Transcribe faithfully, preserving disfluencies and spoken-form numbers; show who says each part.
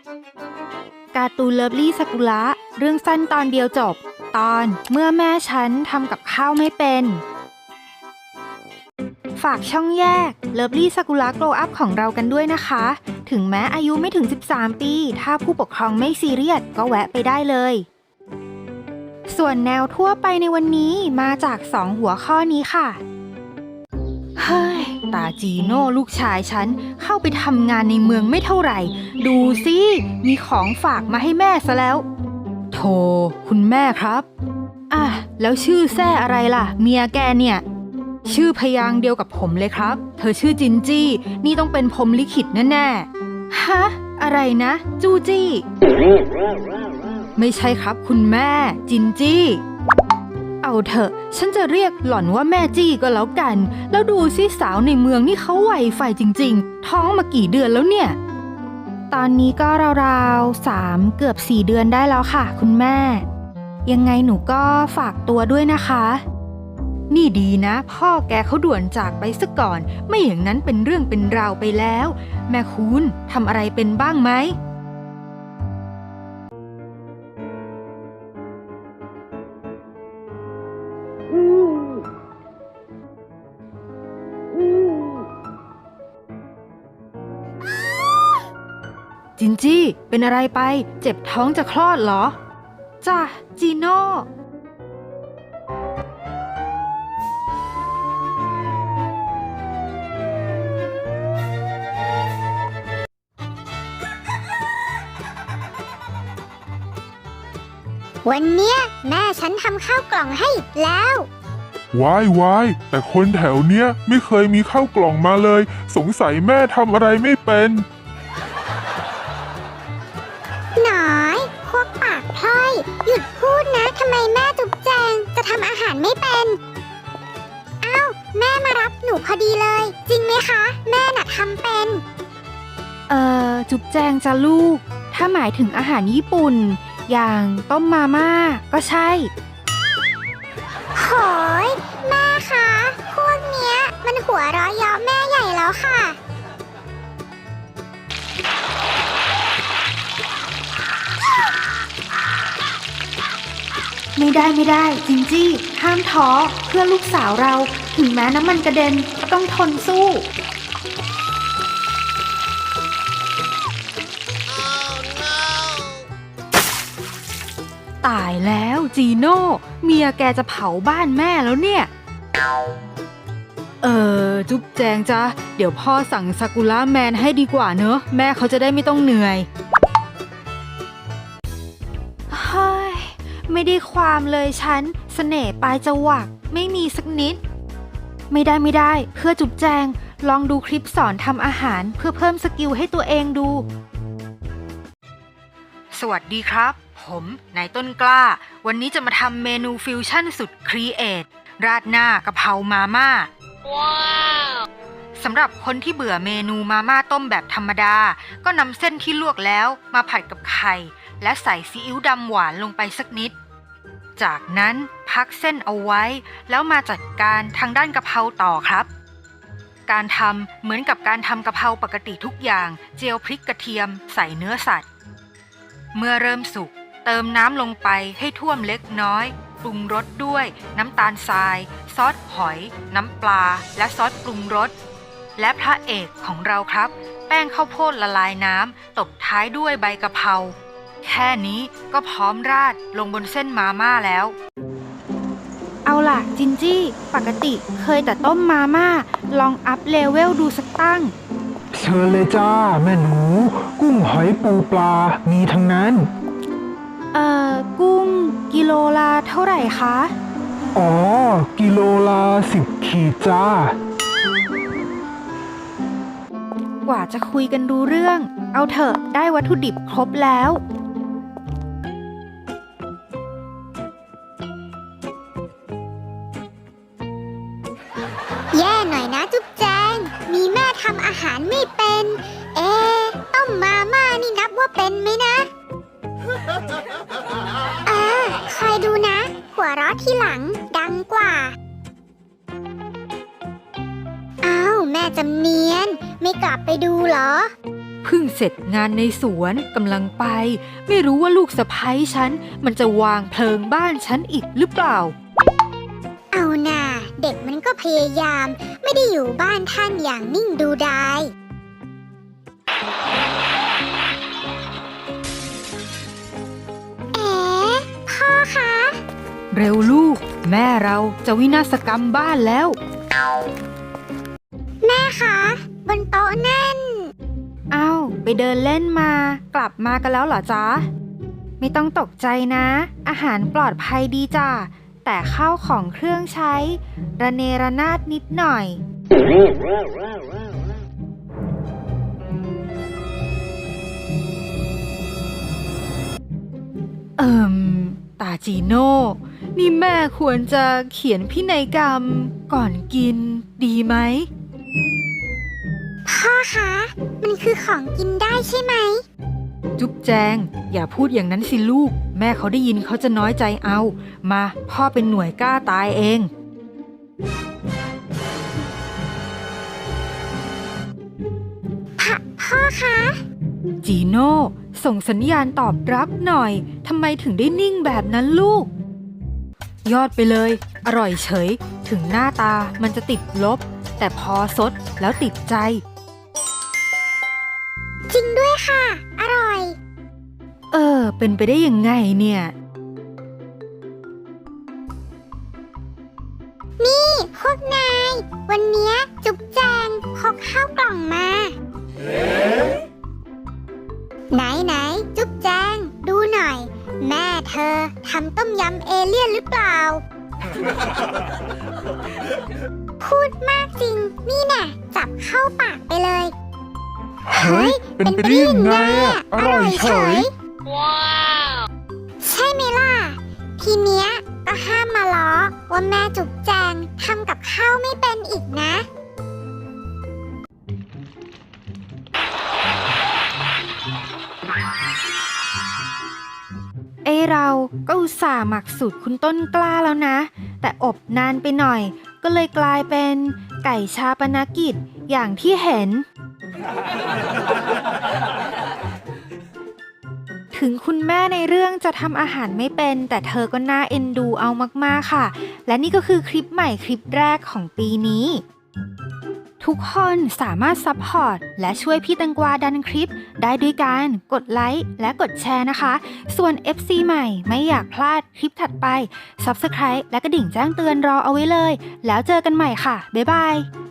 Speaker 1: การ์ตูนเลิฟลี่ซากุระเรื่องสั้นตอนเดียวจบตอนเมื่อแม่ฉันทำกับข้าวไม่เป็นฝากช่องแยกเลิฟลี่ซากุระโกลว์อัพของเรากันด้วยนะคะถึงแม้อายุไม่ถึงสิบสามปีถ้าผู้ปกครองไม่ซีเรียสก็แวะไปได้เลยส่วนแนวทั่วไปในวันนี้มาจากสองหัวข้อนี้ค่ะเฮ้ยตาจีโน่ลูกชายฉันเข้าไปทำงานในเมืองไม่เท่าไหร่ดูสิมีของฝากมาให้แม่ซะแล้วโธ่คุณแม่ครับอ่ะแล้วชื่อแซ่อะไรล่ะเมียแกเนี่ยชื่อพยางค์เดียวกับผมเลยครับเธอชื่อจินจี้นี่ต้องเป็นพรหมลิขิตแน่ๆฮะอะไรนะจูจี้ไม่ใช่ครับคุณแม่จินจี้เอาเถอะฉันจะเรียกหล่อนว่าแม่จี้ก็แล้วกันแล้วดูสิสาวในเมืองนี่เขาไวไฟจริงๆท้องมากี่เดือนแล้วเนี่ยตอนนี้ก็ราวๆสามเกือบสี่เดือนได้แล้วค่ะคุณแม่ยังไงหนูก็ฝากตัวด้วยนะคะนี่ดีนะพ่อแกเขาด่วนจากไปซะก่อนไม่อย่างนั้นเป็นเรื่องเป็นราวไปแล้วแม่คุณทำอะไรเป็นบ้างไหมจินจี้เป็นอะไรไปเจ็บท้องจะคลอดเหรอจ้ะจีโน่
Speaker 2: วันเนี้ยแม่ฉันทำข้าวกล่องให้แล้ว
Speaker 3: ว้ายวายแต่คนแถวเนี้ยไม่เคยมีข้าวกล่องมาเลยสงสัยแม่ทำอะไรไม่เป็น
Speaker 2: หน่อยพวกปากพร่อยหยุดพูดนะทำไมแม่จุ๊บแจงจะทำอาหารไม่เป็นอ้าวแม่มารับหนูพอดีเลยจริงไหมคะแม่น่ะทำเป็น
Speaker 1: เอ่อจุ๊บแจงจ้ะลูกถ้าหมายถึงอาหารญี่ปุ่นอย่างต้มมาม่าก็ใช่
Speaker 2: โหยแม่คะพวกเนี้ยมันหัวเราะเยาะแม่ใหญ่แล้วค่ะ
Speaker 1: ไม่ได้ไม่ได้จินจี้ห้ามท้อเพื่อลูกสาวเราถึงแม้น้ำมันกระเด็นก็ต้องทนสู้ตายแล้วจีโน่เมียแกจะเผาบ้านแม่แล้วเนี่ยเออจุ๊บแจงจ้ะเดี๋ยวพ่อสั่งซากุระแมนให้ดีกว่าเนอะแม่เขาจะได้ไม่ต้องเหนื่อยเฮ้ยไม่ได้ความเลยฉันเสน่ห์ปลายจวักไม่มีสักนิดไม่ได้ไม่ได้เพื่อจุ๊บแจงลองดูคลิปสอนทำอาหารเพื่อเพิ่มสกิลให้ตัวเองดูสวัสดีครับผมนายต้นกล้าวันนี้จะมาทำเมนูฟิวชั่นสุดครีเอทราดหน้ากะเพรามาม่าว้าวสำหรับคนที่เบื่อเมนูมาม่าต้มแบบธรรมดาก็นำเส้นที่ลวกแล้วมาผัดกับไข่และใส่ซีอิ๊วดำหวานลงไปสักนิดจากนั้นพักเส้นเอาไว้แล้วมาจัดการทางด้านกะเพราต่อครับการทำเหมือนกับการทำกะเพราปกติทุกอย่างเจียวพริกกระเทียมใส่เนื้อสัตว์เมื่อเริ่มสุกเติมน้ำลงไปให้ท่วมเล็กน้อยปรุงรสด้วยน้ำตาลทรายซอสหอยน้ำปลาและซอสปรุงรสและพระเอกของเราครับแป้งข้าวโพดละลายน้ำตบท้ายด้วยใบกะเพราแค่นี้ก็พร้อมราดลงบนเส้นมาม่าแล้วเอาล่ะจินจี้ปกติเคยแต่ต้มมาม่าลองอัพเลเวลดูสักตั้ง
Speaker 4: เชิญเลยจ้าแม่หนูกุ้งหอยปูปลามีทั้งนั้น
Speaker 1: เอ่อกุ้งกิโลละเท่าไหร่คะ
Speaker 4: อ๋อกิโลละสิบขีดจ้าก
Speaker 1: ว่าจะคุยกันรู้เรื่องเอาเถอะได้วัตถุดิบครบแล้ว
Speaker 2: แย่หน่อยนะจุ๊บแจงมีแม่ทำอาหารไม่เป็นเอ๊ะต้มมาม่านี่นับว่าเป็นไหมนะเออคอยดูนะหัวเราะทีหลังดังกว่าอ้าวแม่จำเนียนไม่กลับไปดูเหรอ
Speaker 1: เพิ่งเสร็จงานในสวนกำลังไป ไม่รู้ว่าลูกสะใภ้ฉันมันจะวางเพลิงบ้านฉันอีกหรือเปล่า
Speaker 2: เอาน่ะเด็กมันก็พยายาม ไม่ได้อยู่บ้านท่านอย่างนิ่งดูดายเอ๋พ่อคะ
Speaker 1: เร็วลูก แม่เราจะวินาศกรรมบ้านแล้ว
Speaker 2: แม่คะบนโต๊ะนั่น
Speaker 1: เอ้าไปเดินเล่นมากลับมากันแล้วเหรอจ๊ะ ไม่ต้องตกใจนะ อาหารปลอดภัยดีจ้ะแต่ข้าวของเครื่องใช้ ระเนระนาดนิดหน่อย เอิมตาจีโน่ นี่แม่ควรจะเขียนพินัยกรรมก่อนกินดีไหม
Speaker 2: พ่อคะ มันคือของกินได้ใช่ไหม
Speaker 1: จุ๊บแจง อย่าพูดอย่างนั้นสิลูก แม่เขาได้ยินเขาจะน้อยใจเอา มาพ่อเป็นหน่วยกล้าตายเอง
Speaker 2: พ่อพ่อคะ
Speaker 1: จีโน่ส่งสัญญาณตอบรับหน่อย ทำไมถึงได้นิ่งแบบนั้นลูก ยอดไปเลย อร่อยเฉย ถึงหน้าตามันจะติดลบ แต่พอสดแล้วติดใจ
Speaker 2: จริงด้วยค่ะ อร่อย
Speaker 1: เออ เป็นไปได้ยังไงเนี่ย
Speaker 2: นี่พวกนาย วันเนี้ยจุ๊บแจงพกข้าวกล่องมา ไหนไหนจุ๊บแจง ดูหน่อย แม่เธอทำต้มยำเอเลี่ยนหรือเปล่า พูดมากจริง นี่น่ะ จับเข้าปากไปเลย
Speaker 3: เฮ้ย เป็นไปได้ยังไงอะอร่อยเฉย
Speaker 2: ใช่ไหมล่ะ ทีเนี้ยก็ห้ามมาล้อว่าแม่จุ๊บแจงทำกับข้าวไม่เป็นอีกนะ
Speaker 1: เอ้เราก็อุตส่าห์หมักสูตรคุณต้นกล้าแล้วนะ แต่อบนานไปหน่อย ก็เลยกลายเป็นไก่ชาปนกิจอย่างที่เห็น ถึงคุณแม่ในเรื่องจะทำอาหารไม่เป็น แต่เธอก็น่าเอ็นดูเอามากๆค่ะ และนี่ก็คือคลิปใหม่คลิปแรกของปีนี้ ทุกคนสามารถซัพพอร์ตและช่วยพี่แตังกวาดันคลิปได้ด้วยการกดไลค์และกดแชร์นะคะ ส่วน เอฟ ซี ใหม่ไม่อยากพลาดคลิปถัดไป ซับสไครบ์ และกระดิ่งแจ้งเตือนรอเอาไว้เลย แล้วเจอกันใหม่ค่ะ บ๊ายบาย